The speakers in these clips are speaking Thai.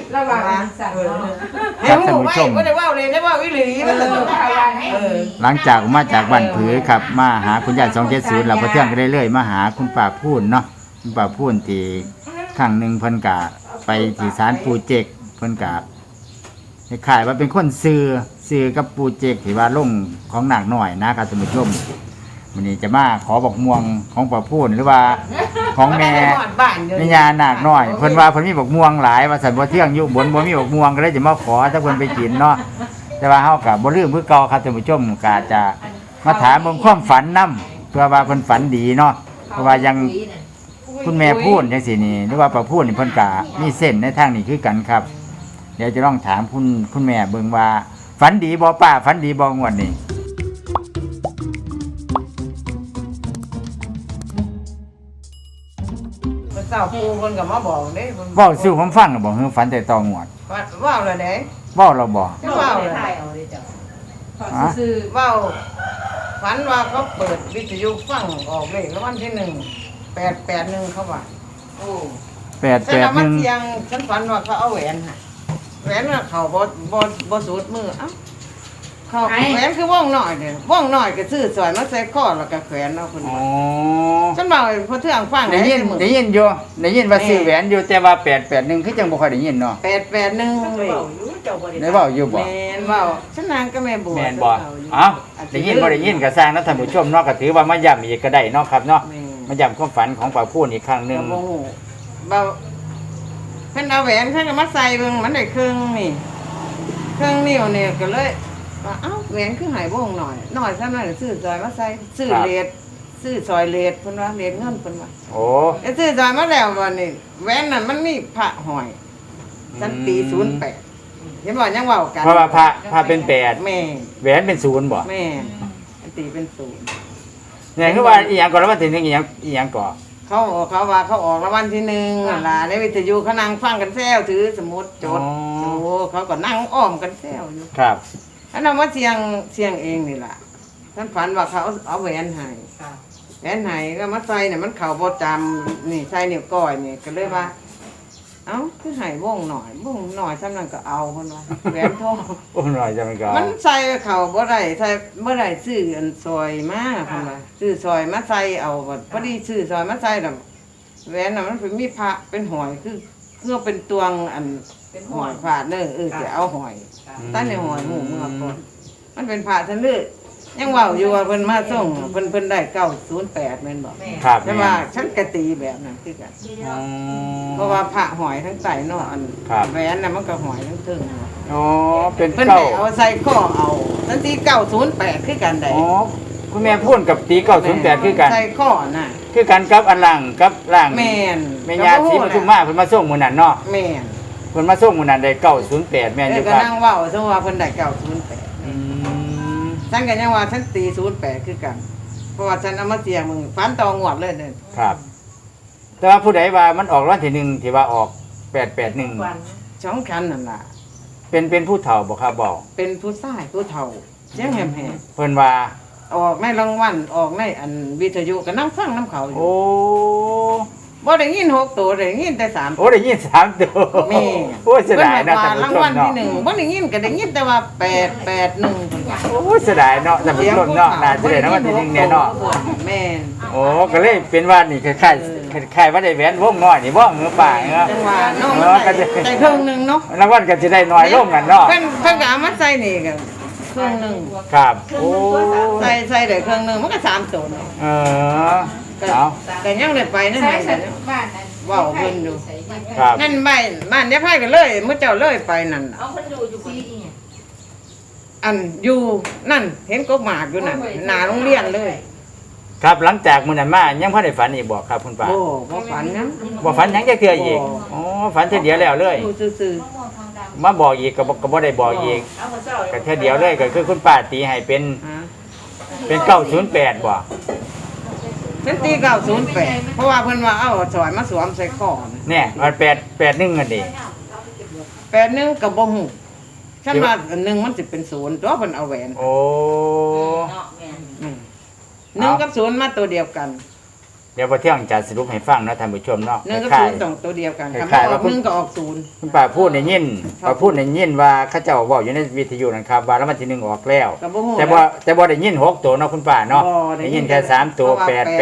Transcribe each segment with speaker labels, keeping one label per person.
Speaker 1: ระวังสั่ง
Speaker 2: ครับท่านผู้ชม
Speaker 3: ไม่ได้ว่าเลยได้ว่าวิลีมันจะต้อง
Speaker 2: หลังจากมาจากบ้านผือครับมาหาคุณยาย270เราพอเที่ยงก็ได้เรื่อยมาหาคุณป้าพูนเนาะคุณป้าพูนที่ครั้งหนึ่งเพิ่นกะไปที่ศาลปู่เจกเพิ่นกะขายว่าเป็นคนซื้อกับปู่เจกที่ว่าลงของหนักหน่อยนะครับท่านผู้ชมวันนี้จะมาขอบอกม่วงของป้าพูนหรือว่าของแม่ญานาคน้อยเพิ่นว่าเพิ่นมีบอกม่วงหลายว่าสันบ่เที่ยงอยู่บนบ่มีบอกม่วงก็เลยจะมาขอถ้าเพิ่นไปกินเนาะแต่ว่าเฮาก็บ่ลืมคือเก่าครับท่านผู้ชมก็จะมาถามเบิ่งความฝันนํเพื่อว่าเพิ่นฝันดีเนาะเพราะว่ายังคุณแม่พูดจังซี่นี่หรือว่าป้าพูดนี่เพิ่นก็มีเส้นในทางนี้คือกันครับเดี๋ยวจะลองถามคุณแม่เบิ่งว่าฝันดีบ่ป้าฝันดีบ่งวดนี้
Speaker 3: เจ้าปูคนกับมาบอกเด้
Speaker 2: เว้าสู่ผมฟังบ่คือฝันแต่ตองวด
Speaker 3: ว่าเลยเด้
Speaker 2: เว้าเราบ่
Speaker 3: ว่าเลยว่าฝันว่าเขาเปิดวิทยุฟังออกเลขแล้ววันที่1 881เขาว่าโอ้ฉันเอามาเสียงฉันฝันว่าเขาเอาแหวนฮะแหวนน่ะเขาบ่สูดมือเอ้าเขาแหวนคือว่องหน่อยเนี่ยว่องหน่อยก็ซื้อสวยมาใส่ข้อแล้วก็แขวนเอาคนว่าฉันบอกพอเทื่องฟัง
Speaker 2: ได้ยินอยู่ได้ยินว่าซื้อแหวนอยู่แต่ว่า881คือจังบ่ค่อยได้ยินเนาะ
Speaker 3: 881เลย
Speaker 2: ได้เว้าอยู่บ่
Speaker 3: แม่นเว้าฉันนางก็แม่บัว
Speaker 2: แม่นบ่เอ้าได้ยินบ่ได้ยินก็สร้างนะท่านผู้ชมเนาะก็ถือว่ามาย้ำอีกก็ได้เนาะครับเนาะมาย้ำความฝันของป้าพูนอีกครั้งนึง
Speaker 3: บ่ฮู้บ่เพิ่นเอาแหวนเพิ่นก็มาใส่เบิ่งมันได้ครึ่งนี่ครึ่งนิ้วนี่ก็เลยว่าเอ้าแหวนคือหายวงหน่อยซะหน่อยซื้อซอยมาใส่ซื้อเลดซื้อซอยเลดเพิ่นว่าเลดเงินเพิ่นว่า
Speaker 2: โอ้
Speaker 3: ซื้อซอยมาแล้วบ่นี่แหวนน่ะมันมีพระห้อยฉันตี08เห็นบ่ยังเว้ากัน
Speaker 2: เพราะว่าพระเป็น8
Speaker 3: แม่
Speaker 2: แหวนเป็น0บ่
Speaker 3: แม่ฉันตีเป็น0
Speaker 2: เนี่ยคือว่าอีหยังก่อนแล้วว่าถึงอีหยังก่อ
Speaker 3: เขาว่าเขาออกรางวัลที่1นั่นล่ะในวิทยุเขานั่งฟังกันแซวถือสมุดจดโอ้เขาก็นั่งอ้อมกันแซวอยู่
Speaker 2: ครับ
Speaker 3: อันนั้นว่าเสียงเองนี่ล่ะท่านฝันว่าเขาเอาแหวนให้แหวนให้ก็มาใส่เนี่ยมันเข่าบ่จำนี่ใส่นิ้วก้อยนี่ก็เลยว่าเอ้าคือให้วงหน่อยวงหน่อยซ้ำนั้นก็เอาเพิ่นว่าแหวนทอง
Speaker 2: วงหน่อยจะมันก็
Speaker 3: มันใส่เข่าบ่ได้ใส่บ่ได้ซื้ออันซอยมาเพิ่นว่าซื้อซอยมาใส่เอาบัดพอดีซื้อซอยมาใส่น่ะแหวนน่ะมันเป็นมีพระเป็นหอยคือเป็นตวงอันเป็นหอยพระเด้อจะเอาหอยตั้งในหอยหมู่เมื่อก่อนมันเป็นพระทันเลยยังเว้าอยู่ว่าเพิ่นมาส่งเพิ่นได้908แม่นบ่
Speaker 2: ครับ
Speaker 3: แต่ว่าฉันก็ตีแบบนั้นคือกันเพราะว่าพระหอยทั้งใต้เนาะอันแหวนน่ะมันก็หอยทั้งถึง
Speaker 2: อ๋อเป็น
Speaker 3: เพิ่นเอาใส่ข้อเอาทันที908คือกันได้
Speaker 2: อ๋อคุณแม่พูดกับตี908คือกัน
Speaker 3: ใส่ข้อน่ะ
Speaker 2: คือกันกับอันล่างกับล่าง
Speaker 3: แม่น
Speaker 2: แม่ย่าศรีปทุมมาเพิ่นมาส่งมื้อนั้นเนาะ
Speaker 3: แม่น
Speaker 2: เพิ่นมาส่งมื้อนั้นได้908แม่นอยู่
Speaker 3: ครับก็นั่งเว้าซะว่าเพิ่นได้908ฉันก็ยังว่าฉันตี08คือกันเพราะว่าฉันเอามาเสี่ยงมึงฝันตองวดเลยเด้อ
Speaker 2: ครับแต่ว่าผู้ใดว่ามันออกรางวัลที่1ที่ว่าออก881
Speaker 3: ช่องคันนั่นล่ะ
Speaker 2: เป็นผู้เฒ่าบ่ครับบอก
Speaker 3: เป็นผู้ชายผู้เฒ่าเสียงแหบ
Speaker 2: เพิ่นว่า
Speaker 3: ออกในรางวัลออกในอันวิทยุก็นั่งฟังน้ำเขาอยู่
Speaker 2: โอ้
Speaker 3: บ่ได้ยิน6ตัวได้ยินแต่3
Speaker 2: โอ้ได้ยิน3ตัว
Speaker 3: แม่
Speaker 2: โอ้เสียดายนะท่านผู้ชมเนาะ
Speaker 3: รางวัลที่1บ่ได้ยินก็ได้ยินแต่ว่า881
Speaker 2: โอ้เสียดายเนาะท่านผู้ชมเนาะน่าจะได้รางวัลที่1แน่เนาะ
Speaker 3: แม่น
Speaker 2: โอ้ก็เลยเป็นว่านี่คล้ายๆว่าได้แหวนวงน้อยนี่บ่เงือป่าเนาะ
Speaker 3: จังว่าน้องก็จะได้ครึ่งนึงเนาะ
Speaker 2: รางวัลก็สิได้น้อยลงกันเนาะ
Speaker 3: เพิ่นก็เอามาใส่นี่ก็ครึ่งนึง
Speaker 2: ครับโอ้
Speaker 3: ใส่ได้ครึ่งนึงมันก็3ตัวเนาะเอาก็ยังได้ไปนั่นไงบ้านนั้นว้าวเพิ่นอยู่
Speaker 2: ครับ
Speaker 3: นั่นบ้านยายไผก็เลยมื้อเจ้าเลยไปนั่นเอาเพิ่นอยู่ปีนี้อันอยู่นั่นเห็นกบหมากอยู่นั่นหน้าโรงเรียนเลย
Speaker 2: ครับหลังจากมื้อนั้นมายังบ่ได้ฝันอีกบ่ครับคุณป้า
Speaker 3: โอ้บ่ฝันนะ
Speaker 2: บ่ฝันหยังจักเทื่ออีกอ๋อฝันเทื่อเดียวแล้วเลย
Speaker 3: ซื่อ
Speaker 2: ๆมาบอกอีกก็บ่ได้บอกอีกก็เทื่อเดียวเลยก็คือคุณป้าตีให้เป็น908บ่
Speaker 3: ฉันตี908เพราะว่าเพิ่นว่าเอาสอยมาสวมใส่คอ
Speaker 2: เนี่ยมัน881อันนี้
Speaker 3: 81ก็บ่ฮู้ฉันว่าอันนึงมันสิเป็น0ตัวเพิ่นเอาแหวน
Speaker 2: โอ้
Speaker 3: 1กับ0มาตัวเดียวกัน
Speaker 2: เดี๋ยวพอเที่ยงจะสรุปให้ฟังเนาะท่านผู้ชมเนาะ
Speaker 3: หนึ่งกับ
Speaker 2: คล้า
Speaker 3: ศู
Speaker 2: ย
Speaker 3: นย์ต้องตัวเดียวกัน
Speaker 2: ค
Speaker 3: คำ
Speaker 2: ล้ายๆ
Speaker 3: อ
Speaker 2: ว่า
Speaker 3: อกหนึ่งก็ออกศูนย์
Speaker 2: คุณป้าพูดในยินป้าพูดในยินว่าเขาเจ้าบอกอยู่ในวิทยุนะครับว่าแล้วมันที่หนึ่งออกแล้ว
Speaker 3: กับบ่ฮู้
Speaker 2: แต่บ่ได้ยิน6ตัวเนาะคุณป้าเนาะ
Speaker 3: บ่
Speaker 2: ได้ยินแค่3ตัว
Speaker 3: เพราะว่า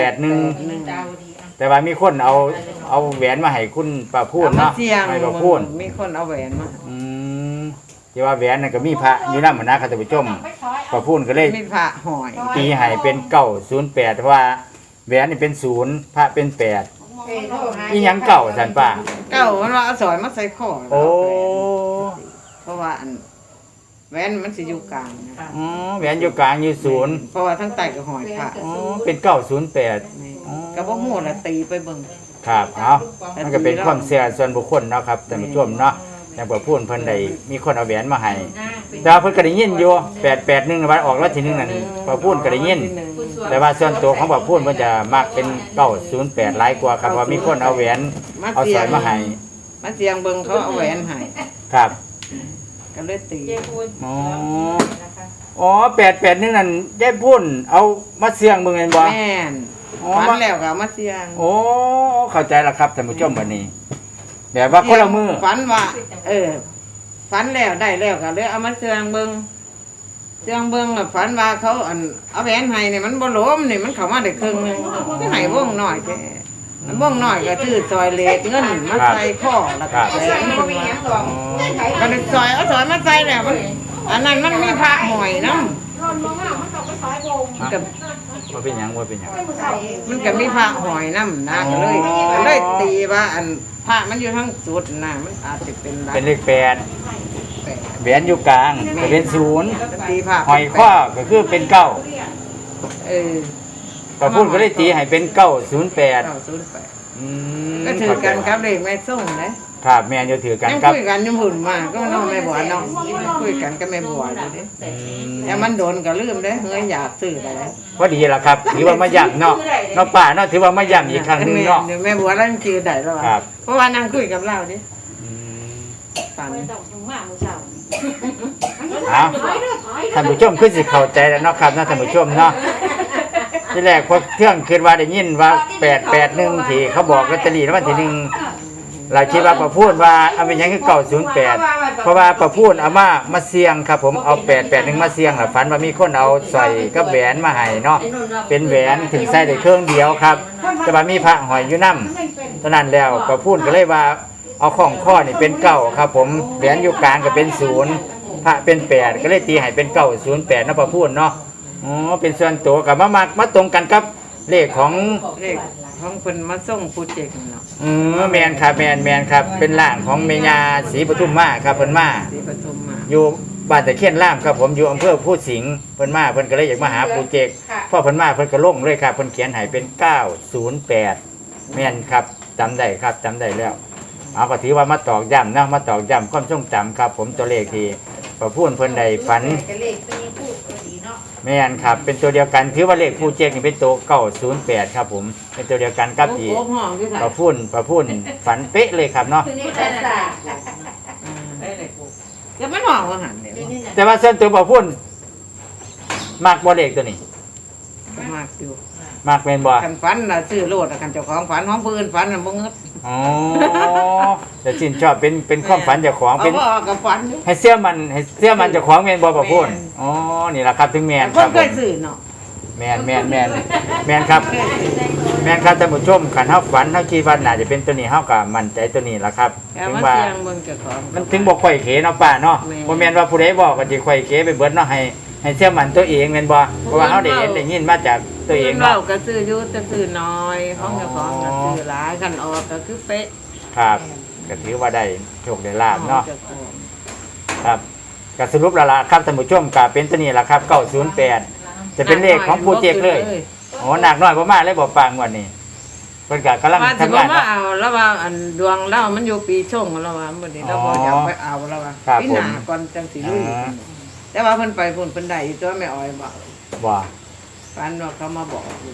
Speaker 2: 881แต่ว่ามีคนเอาแหวนมาให้คุณป้าพูด
Speaker 3: เอามา
Speaker 2: เนาะ
Speaker 3: เสี่ยง
Speaker 2: ให้ป้าพูด
Speaker 3: มีคนเอาแหวนมา
Speaker 2: อืมที่ว่าแหวนนั่นก็มีพระอยู่นำนะครับท่านผู้ชมป้าพูดก็เลย
Speaker 3: มีพระหอย
Speaker 2: ตีให้เป็น908เพราะว่าแหวนนี่เป็น0พระเป็น8อีหยังเก่าซั่นป้า
Speaker 3: เก้ามันว่าเอาสอยมาใส่คอ
Speaker 2: โอ้
Speaker 3: เพราะว่าอันแหวนมันสิอยู่กลางนะ
Speaker 2: อ๋อแหวนอยู่กลางอยู่0
Speaker 3: เพราะว่าทั้งใต้ก็หอยพระ
Speaker 2: อ๋อเป็น908
Speaker 3: ก็บ่ฮู้ละตีไปเบิ่ง
Speaker 2: ครับเอามันก็เป็นความเชื่อส่วนบุคคลเนาะครับท่านผู้ชมเนาะอย่างเปิดพูนเพิ่นได้มีคนเอาแหวนมาให้แต่ว่าเพิ่นก็ได้ยินอยู่881วันออกแล้วทีนึงนั่นเปิดพูนก็ได้ยิน แต่ว่าส่วนตัวของเปิดพูนเพิ่นจะมักเป็น908หลายกว่าครับเพราะมีคนเอาแหวนเอาสร้อยมาให้
Speaker 3: มาเสียงเบิ่งเขาเอาแหวนให้
Speaker 2: ครับ
Speaker 3: ก็เลยตี
Speaker 2: อ๋ออ๋อ881นั่นได้พูนเอามาเสี่ยงเบิ่งแม่นบ่
Speaker 3: แม่น
Speaker 2: อ๋อ
Speaker 3: ฝันแล้วก็เอามาเสียง
Speaker 2: โอ้เข้าใจแล้วครับท่านผู้ชมบัดนี้แบบว่าคนละมือ
Speaker 3: ฝันว่าฝันแล้วได้แล้วก็เลยเอามาเสียงเบิ่งเสียงเบิ่งแล้วฝันว่าเขาเอาแหวนให้นี่มันบ่หลมนี่มันเข้ามาได้ครึ่งหนึงก็ให้วงน้อยแท้มันวงน้อยก็ชื่อซอยเลขเงินมาใส่ข้อแล้วก็แหวนขึ้นมาก็เลยซอยเอาซอยมาใส่แล้วมันอันนั้นมันมีพระหอยนำกับ
Speaker 2: ว่าเป็นหยังว่าเป็นหยัง
Speaker 3: มันก็มีพระหอยน้ำนะก็เลยตีว่าอันพระมันอยู่ทั้งสุดนะมันอาจจะเป็นหลัก
Speaker 2: เป็นเลข8
Speaker 3: แปด
Speaker 2: แหวนอยู่กลางก็เป็น0
Speaker 3: ตีพระ
Speaker 2: หอยข้อก็คือเป็น9
Speaker 3: เออ
Speaker 2: ก็พูดก็เลยตีให้เป็น908
Speaker 3: เก้าศูนย์แปด
Speaker 2: อืม
Speaker 3: ก็ถือกันครับเลขแม่ส่งนะครับ
Speaker 2: แม่นอยู่ถือกัน
Speaker 3: ยัง
Speaker 2: ครับ
Speaker 3: คุยกันอยุ่หุ่นมาก็น้องแม่บัวน้องคุยกันก็แม่บัวอยู่ดิ
Speaker 2: อืม
Speaker 3: แต่มันโดนก็ลืมเด้เฮ้ยอยากซื้อได้แล้ว
Speaker 2: พอดีล่ะครับถือว่ามาย้ำเนาะน้องป่าเนาะถือว่ามาย้ำอีกครั้งหนึงเนาะ
Speaker 3: แม่บัวแล้วมันคือได้แล้ว
Speaker 2: ครับ
Speaker 3: เพราะว่านั่งคุยกับเราดิ
Speaker 2: อืม
Speaker 3: ฝัน
Speaker 2: เอาท่านผู้ชมคือสิเข้าใจแล้วเนาะครับเนาะท่านผู้ชมเนาะที่แรกพอเที่ยงคิดว่าได้ยินว่า881ที่เขาบอกลอตเตอรี่แล้ววันที่1เราคิดว่าประพูดว่าเอาเป็นหยังคือ908เพราะว่าประพูดเอามาเสี่ยงครับผมเอา881มาเสี่ยงแล้วฝันว่ามีคนเอาสร้อยกับแหวนมาให้เนาะเป็นแหวนถึงใส่ได้เครื่องเดียวครับแต่ว่ามีพระหอยอยู่นำเท่านั้นแล้วประพูดก็เลยว่าเอาของข้อนี่เป็น9ครับผมแหวนอยู่กลางก็เป็น0พระเป็น8ก็เลยตีให้เป็น908เนาะประพูดเนาะอ๋อเป็นส่วนตัวกับมาตรงกันกับเลขของ
Speaker 3: เลขของเพิ่นมาส่งโปรเจกต์เนาะ
Speaker 2: แมนครับแมนครับเป็นร่างของเมญาศรีปทุมมาครับเพิ่นมา
Speaker 3: ที่ปทุมมา
Speaker 2: อยู่บ้านตะเคียนล่ามครับผมอยู่อำเภอพูดสิงห์เพิ่นมาเพิ่นก็เลยอยากมาหาปูเจกพ่อเพิ่นมาเพิ่นก็ลงเลยครับเพิ่นเขียนให้เป็น908แม่นครับจำได้ครับจำได้แล้วเอาก็ถือว่ามาตอกย้ำนะมาตอกย้ำความทรงจำครับผมตัวเลขที่พอพูดเพิ่นได้ฝันแม่นครับเป็นตัวเดียวกันถือว่าเลขปูเจกนี่เป็นตัว908ครับผมเป็นตัวเดียวกันกับที่
Speaker 3: โอ้โหห้องที่ไหน
Speaker 2: พอพูดฝันเป๊ะเลยครับเนาะ
Speaker 3: ก็มันห้องว่าหันเนี่ย
Speaker 2: แต่ว่าเส้นตัวพอพูดมากบ่เลขตัวนี้
Speaker 3: ก็มากอยู่
Speaker 2: มากเป็นบ่
Speaker 3: คันฝันน่ะซื้อโลดน่ะคันเจ้าของฝันของผู้อื่นฝันน่ะบ่เงิด
Speaker 2: อ๋อแต่จินชอบเป็นความฝันเจ้าของ
Speaker 3: เอา
Speaker 2: เป็น
Speaker 3: บ่ออกกับฝันอยู่
Speaker 2: ให้เสื้อมันเจ้าของแม่นบ่พอพูดอ๋อนี่ล่ะครับถึงแม่นค
Speaker 3: เพิ่
Speaker 2: รั
Speaker 3: น
Speaker 2: บ
Speaker 3: เคยซื้อเนาะ
Speaker 2: แม่นครับแม่นครับท่านผู้ชมคันเฮาฝันเฮาคิดว่าน่าจะเป็นตัวนี้เฮาก็มั่นใจตัวนี้ล่ะครับ
Speaker 3: แต่
Speaker 2: ถึง
Speaker 3: มา
Speaker 2: ว่า
Speaker 3: เสียงเบิ่งเจ้าของ
Speaker 2: มันถึงบ่ค่อยเขเนาะป้าเนาะ
Speaker 3: แม่น
Speaker 2: บ่แม่นว่าผู้ใดบอกก็สิค่อยเขไปเบิดเนาะให้เชื่อมันตัวเองแม่นบ่เพราะว่าเฮาได้เห็นได้ยินมาจากตัวเอง
Speaker 3: เรา
Speaker 2: เนาะ
Speaker 3: ก็ซื้ออยู่แต่ซื้อน้อยของเจ้าของก็ซื้อหลายคันออกก็คือเป๊ะ
Speaker 2: ครับก็ถือว่าได้โชคได้ลาบเนาะ
Speaker 3: จ้ของ
Speaker 2: ครับก็สรุปแล้วล่ะครับท่านผู้ชมก็เป็นตัวนี้ล่ะครับ908จะเป็นเลขของปูเจกเลยโอ้หนักน้อยบ่มาเลยบ่ปางวันนี้เพิ่นก็กำลัง
Speaker 3: ว่าสิ
Speaker 2: ทำ
Speaker 3: บ่
Speaker 2: งาน
Speaker 3: มา
Speaker 2: เนาะ
Speaker 3: เอาแล้วว่าอันดวงเรามันอยู่ปีชงแล้วว่ามื้อนี้เราบ่อยากไปเอาแล้วว่า
Speaker 2: ครับ
Speaker 3: ปีหน้าก่อนจังสิลุยแต่ว่าเพิ่นไปเพิ่นได้อยู่ตัวแม่อ้อยบอก
Speaker 2: บ่
Speaker 3: ฟันว่าเขามาบอกอยู่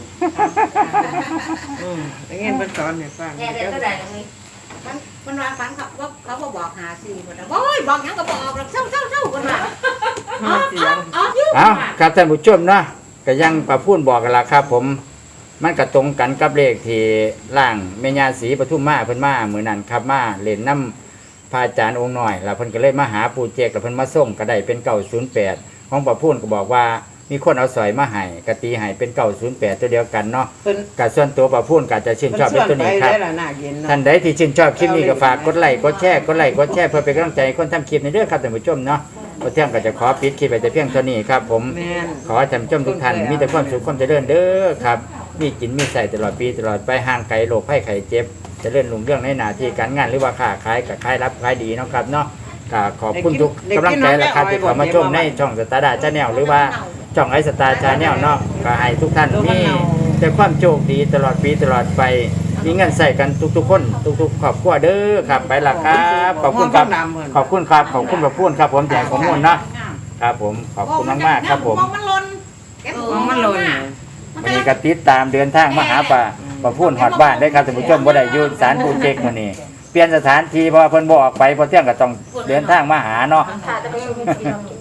Speaker 3: อย่างงี้เพิ่นสอนให้ฟัง
Speaker 1: เนี่ยเดี๋ยวก็ได้ตรงนี้มันวางฝันเขาบอกหาซื้อหมดแล้วโอ้ยบอกหยังก็บอกแล้วเศร้าคนว่า
Speaker 3: เสียง
Speaker 1: อ๋อยุ่ง
Speaker 2: เอ้าครับท่านผู้ชมเนาะก็ยังประพูนบอกกันล่ะครับ ผมมันก็ตรงกันกับเลขที่ร่างแม่ย่าศรีปทุมมาเพิ่นมามื้อนั้นครับมาเล่นน้ำพระอาจารย์องค์น้อยแล้วเพิ่นก็เลยมาหาปู่เจกแล้วเพิ่นมาส่งก็ได้เป็น908ของป้าพูนก็บอกว่ามีคนเอาสอยมาให้กตีให้เป็น908ตัวเดียวกันเนาะ
Speaker 3: เพิ่น
Speaker 2: กับส่วนตัวป้าพูนก็อาจจะชื่นชอบในตัวนี้ครับ
Speaker 3: ได้ละหน้าเย็นเนาะ
Speaker 2: ท่านใดที่ชื่นชอบคลิปนี้ก็ฝากกดไลค์กดแชร์เพื่อเป็นกำลังใจให้คนทำคลิปในเรื่องครับท่านผู้ชมเนาะพอเที่ยงก็จะขอปิดคลิปไปแต่เพียงเท่านี้ครับผม
Speaker 3: แม่น
Speaker 2: ขอให้ท่านผู้ชมทุกท่านมีแต่ความสุขความเจริญเด้อครับมีกินมีใส่ตลอดปีตลอดไปห่างไกลโรคภัยไข้เจ็บเจริญรุ่งเรื่องในหน้าที่การงานหรือว่าค้าขายกับขายรับขายดีเนาะครับเนาะก็ขอบคุณทุกกำลังใจและครับที่เข้ามาชมในช่องสตาร์ดาชาแนลหรือว่าช่องไอสตาร์ชาแนลเนาะก็ให้ทุกท่านมีแต่ความโชคดีตลอดปีตลอดไปมีเงินใส่กันทุกๆคนทุกๆครอบครัวเด้อครับไปละครับขอบคุณครับขอบคุณครับขอบคุณพระพูนครับผมแจกข้อมูลเนาะครับผมขอบคุณมากๆครับผม
Speaker 1: มองมันหล่นเก็บ
Speaker 3: มองมันหล่น
Speaker 2: วันนี้ก็ติดตามเดินทางมาหาป้าพูนฮอดบ้านได้ครับท่านผู้ชมบ่ได้อยู่ศาลปู่เจกมื้อนี้เปลี่ยนสถานที่เพราะว่าเพิ่นบ่ออกไปเพราะเที่ยงก็ต้องเดินทางมาหาเนาะ
Speaker 1: ค่ะจะไปชม